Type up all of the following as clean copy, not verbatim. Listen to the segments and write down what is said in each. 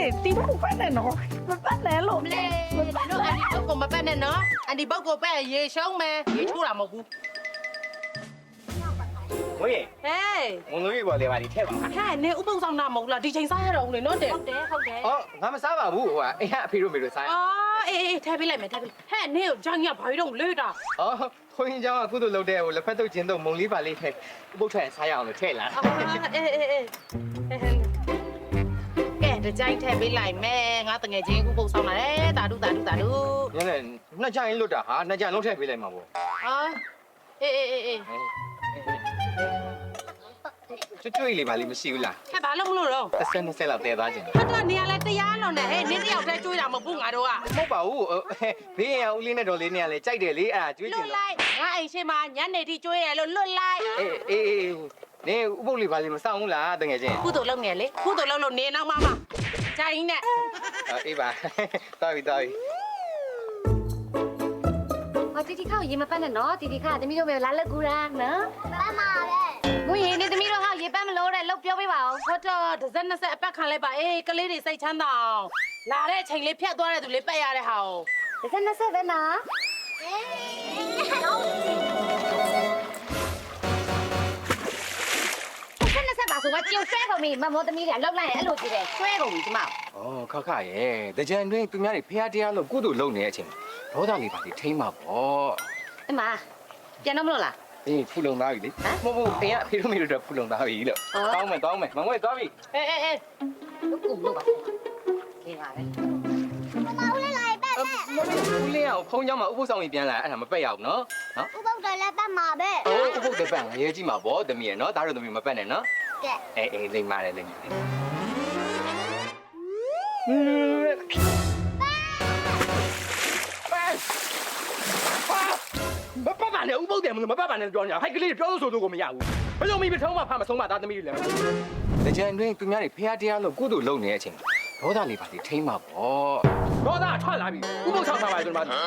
တီးဖို့ပတ်နေနော်မပတ်နဲ့လို့မလေးတို့အန်ဒီဘုတ်ကိုမပတ်နဲ့နော်အန်ဒီဘုတ်ကိုပတ်ရေရှုံးမယ်ရေချိုးတာမဟုတ်ဘူးဝေးဟေးငုံငွေပေါ်လေပါဒီထက်ပါဟဲ့နေဥပုပ်ဆောင်တာမဟုတ်လားဒီချိန်စားရတော့ဦးလေနော်တဲ့ဟုတ်တယ်အော်ငါမစားပါဘူးဟိုကအဖေအဖေတို့မေတို့စားအော်အေးထဲပေးလိုက်မယ်ထဲပေးဟဲ့နေကိုဂျန်ကြီးကဘာလို့လဲတာအော်ခွင်းเจ้าအခုတို့လုပ်တဲ့ဟိုလက်ဖက်တုပ်ကျင်းတုပ်မုံလေးပါလေးထည့်ဥပုပ်ထွက်စားရအောင်လို့ထည့်လာအေးကဲတကြိုင်ထဲပေးလိုက်မယ်ငါတငယ်ချင်းဥပုပ်ဆောင်လာတယ်တာဒုညနေနှစ်ကြိုင်လွတ်တာဟာနှစ်ကြိုင်လုံးထည့်ပေးလိုက်မှာပေါ့အော်အေးကျွတ်လေးပါလေးမရှိဘူးလားဟဲ့ဘာလို့မလို့တော့ 20လောက်တည်သွားခြင်းဟာကနေရာလဲတရားလုံးနဲ့ဟဲ့နင်းတယောက်တည်းကျွေးတာမဟုတ်ဘူးငါတို့ကမဟုတ်ပါဘူးဘေးရန်ဦးလေးနဲ့တော်လေးနဲ့လည်းကြိုက်တယ်လေအဲ့ဒါကျွေးလွခြင်းတ်လို့လိုက်ငါအိမ်ရှိမှာညနေထိကျွေးရလို့လွတ်လိုက်အေးနေဥပုပ်လေးပါလေးမဆောင်ဘူးလားတကယ်ချင်းကုသိုလ်လုပ်နေလေကုသိုလ်လုပ်လို့နေနောက်မှဂျိုင်းနဲ့အေးပါတော်ပြီတီတီခါကိုရေမပတ်နဲ့နော်တီတီခါသမီးတို့ပဲလာလက်ကူတာနော်ပတ်မှာပဲငွေရေနေသမီးတို့ဟောရေပတ်မလို့တဲ့လောက်ပြောပေးပါဦးဟုတ်တော့တစ်စက်နှစ်ဆက်အပတ်ခံလိုက်ပါအေးကလေးတွေစိတ်ချမ်းသာအောင်လာတဲ့အချိန်လေးဖြတ်သွားတဲ့သူလေးပတ်ရတဲ့ဟာကိုတစ်ဆက်ပဲနော်တစ်ဆက်ပါဆိုတော့ကြိုဆွဲကုန်ပြီမမောသမီးကလောက်လိုက်ရင်အဲ့လိုကြည့်တယ်ဆွဲကုန်ပြီကျမ။အော်ခခရဲ့တကြံတွင်သူများတွေဖះတရားလို့ကုသိုလ်လုပ်နေတဲ့အချိန်ဒေါသလေးပါလေထိမ့်မှာပေါ့အမပြန်တော့မလို့လား။အေးဖူလုံသားပြီလေ။မဟုတ်အင်းကအဖေတို့မေတို့တော့ဖူလုံသားပြီလို့။တောင်းမယ်မငွေသွားပြီအေးကုလို့ပါခေပါပဲ။ဦးလေးအောင်ဖုန်းကြောင်းမှာဥပုသ်ဆောင်ကြီးပြန်လာအဲ့ဒါမပက်ရအောင်နော်။နော်ဥပုပ်တော်လည်းပတ်မှာပဲ။အိုးဥပုသ်တပတ်ငရဲကြီးမှာပေါ့တမီးရနော်ဒါတို့တမီးမပက်နဲ့နော်ကဲ။အေးလိမ့်ပါတယ်လိမ့်ပါတယ်မပတ်ပါနဲ့ဥပုသ်တယ်မပတ်ပါနဲ့ပြောညာဟိုက်ကလေးပြောလို့ဆိုတော့ကိုမရဘူး။ဘယ်လိုမိပထုံးမှဖမဆုံးမသားသမီးတွေလဲ။တကြံတွင်သူများတွေဖះတရားလို့ကုသိုလ်လုပ်နေတဲ့အချိန်ဒေါသလေးပါလေထိမ့်မှာပေါ့။ဒေါသထွက်လာပြီဥပုသ်ဆောင်ပါပါဆိုတော့ဟာ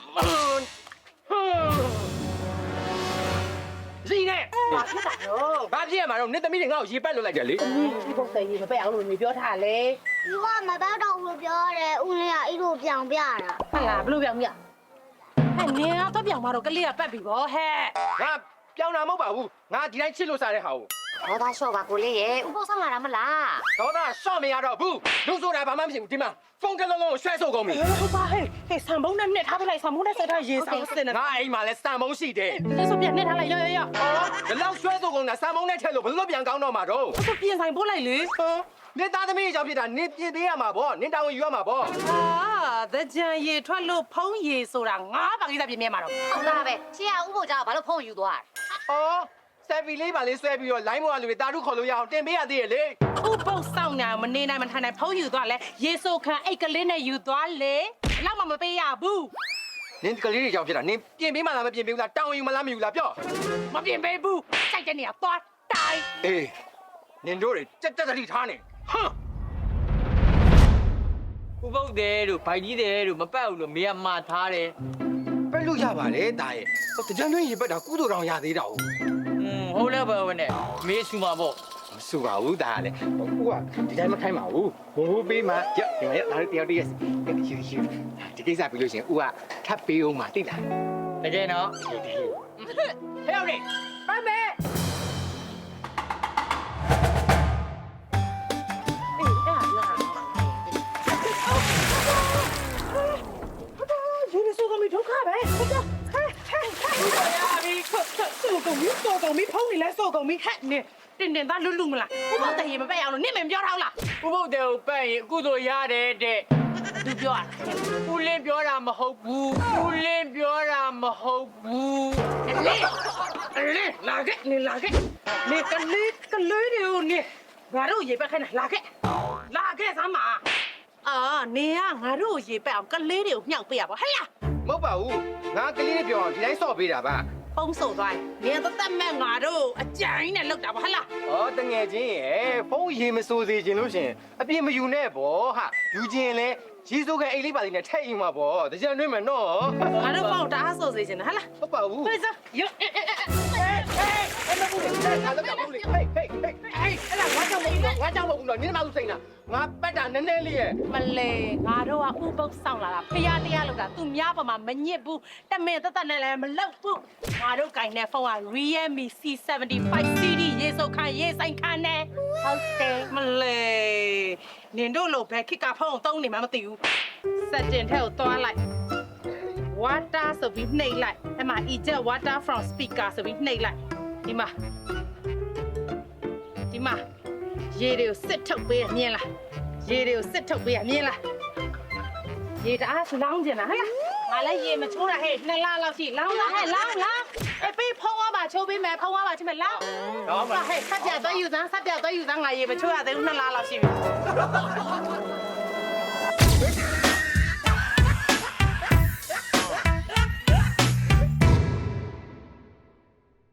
စီနဲ့ဘာဖြစ်တာတော့ဘာဖြစ်ရမှာတော့နေသမီးတွေငါ့ကိုရေပတ်လွတ်လိုက်တယ်လေဒီဘုတ်ဆိုင်ကြီးမပက်အောင်လို့နေပြောထားလေဒီကမပတ်တော့ဘူးလို့ပြောတယ်ဦးလေးကအဲ့လိုပြောင်ပြတာဟုတ်လားဘလို့ပြောင်းမြဟဲ့နေတော့ပြောင်းมาတော့ကလေးကပတ်ပြီဗောဟဲ့ငါပြောင်းတာမဟုတ်ပါဘူးငါဒီတိုင်းချစ်လို့စားတဲ့ဟာကိုဟောသားလျှော့ပါကိုလေးရေဥပုသ်ဆောင်လာတာမလားဒေါသရှော့မရတော့ဘူးလူဆိုတာဘာမှမရှိဘူးဒီမှာဖုန်းတစ်လုံးလုံးကိုရွှဲဆိုကုန်ပြီဟုတ်ပါဟဲ့ဆံပုံးနဲ့နှစ်ထားပလိုက်ဆံပုံးနဲ့ဆက်ထားရေဆောင်စင်နေငါအိမ်မှာလဲစံမုံရှိတယ်ဒီဆိုပြန်နှစ်ထားလိုက်ရောဒီလောက်ရွှဲဆိုကုန်တာစံမုံနဲ့ထည့်လို့ဘယ်လိုပြန်ကောင်းတော့မှာတော့ဆိုပြင်ဆိုင်ပို့လိုက်လေနေသားသမီးအကြောင်းဖြစ်တာနေပြင်သေးရမှာပေါ့နင်းတောင်းယူရမှာပေါ့အာသကြံရေထွက်လို့ဖုံးရေဆိုတာငါးပါးကိစ္စပြင်မြဲမှာတော့ဟုတ်လားပဲရှေ့ကဥပုသ်ကြောင့်ဘာလို့ဖုန်းယူသွားအော်ဆက်ဖီလေးပါလေးဆွဲပြီးတော့လိုင်းမောကလူတွေတာထုခေါ်လို့ရအောင်တင်ပေးရသေးရဲ့လေဥပုပ်ဆောင်ညာမနေနိုင်မထိုင်နိုင်ဖုံးယူသွားလဲရေဆိုခံအိတ်ကလေးနဲ့ယူသွားလေလောက်မှမပေးရဘူးနင်းကလေးတွေအကြောင်းဖြစ်တာနင်းပြင်ပေးမှလားမပြင်ပေးဘူးလားတောင်းယူမလားမယူလားပြောမပြင်ပေးဘူးစိုက်တဲ့နေရာသွားတိုင်အေးနင်တို့တွေတက်တတိထားနေဟမ်ဥပုပ်တယ်တို့ဗိုက်ကြီးတယ်တို့မပတ်ဘူးလို့မေကမှားထားတယ်ပက်လို့ရပါတယ်တာရဲ့ဟိုတကြံတွင်းရေပက်တာကုသိုလ်တော်ရသေးတာဟုတ်ဟုတ်လဲပဲနဲ့မေဆူမှာပေါ့မဆူပါဘူးဒါကလည်းဟိုကဒီတိုင်းမခိုင်းပါဘူးဘိုးပေးမှကြက်ဒီမှာဒါတယောက်တည်းယူဒီကိစ္စပြီးလို့ရှိရင်ဦးကထပ်ပေးအောင်မသိလားတကယ်နော်ဟဲ့ရောက်နေပတ်မယ်အေးအဲ့ဒါလာယူနေဆိုကမိဒုက္ခပဲဟုတ်တော့ဟဲ့ရပြီဆိုကမိဖုံးနေလဲဆိုကမိဟဲ့နေတင်သားလွတ်မလားဥပုပ်တရေမပက်အောင်လို့နင့်မပြောထားလားဥပုပ်တယ်ကိုပတ်ရင်အခုတို့ရတယ်တဲ့သူပြောရတာဦးလင်းပြောတာမဟုတ်ဘူးဦးလင်းပြောတာမဟုတ်ဘူးလေလာခဲ့နေလာခဲ့နေကလေးတွေကိုနေငါတို့ရေပက်ခိုင်းတာလာခဲ့စမ်းပါအာနေကငါတို့ရေပက်အောင်ကလေးတွေကိုမြှောက်ပေးရပါဟဲ့လားမဟုတ်ပါဘူးငါကလေးပြောအောင်ဒီတိုင်းဆော့ပေးတာပါဖုံးဆိုသွားနေသတ်မဲ့ငါတို့အကြိုင်းနဲ့လောက်တာပါဟဲ့လားဩတငယ်ချင်းရဲ့ဖုန်းရေမစိုးစေခြင်းလို့ရှင်အပြစ်မယူနဲ့ဗောဟာယူခြင်းလဲရေစိုးကန်အိတ်လေးပါလေးနဲ့ထည့်ယူမှာဗောတကြံတွင်းမယ်နော်ငါတို့ဖုံးတအားဆိုစေချင်တယ်ဟဲ့လားဟုတ်ပါဘူးဟဲ့စရောအဲ့မဘူးလေအဲ့ဒါတော့ဘူးလေဟေးဟေးဟေးဟဲ့အဲ့ဒါငါကြောက်မဟုတ်ဘူးနော်နင်းမအောင်စိန်တာငါပတ်တာနည်းနည်းလေးရဲ့မလဲငါတို့ကဥပုပ်ဆောင်လာတာဖျားတရားလောက်တာသူများပေါ်မှာမညစ်ဘူးတမင်တက်နဲ့လည်းမလောက်ဘူးငါတို့ကင်တဲ့ဖုန်းက Realme C75 CD ရေစုပ်ခန်းရေဆိုင်ခန်းနဲ့ဟုတ်တယ်မလဲနင်တို့လိုဘယ်ခစ်ကဖုန်းသုံးနေမှမသိဘူးစက်တင်ထဲကိုသွားလိုက် water ဆိုပြီးနှိပ်လိုက်အဲ့မှာ eject water from speaker ဆိုပြီးနှိပ်လိုက်ဒီမှာရေတွေကိုစစ်ထုတ်ပေးရမြင်လားရေတွေကိုစစ်ထုတ်ပေးရမြင်လားရေတအားလောင်းကျင်လားဟဲ့ငါလည်းရေမချိုးတာဟဲ့2လလောက်ရှိလောင်းလားဟဲ့လောင်းအေးပေးဖုံးသွားပါချိုးပေးမယ်ဖုံးသွားပါချင်းမယ်လောင်းဟဲ့ဆက်ပြတ်သွားယူစမ်းငါရေမချိုးရသေးဘူး2လလောက်ရှိပြီ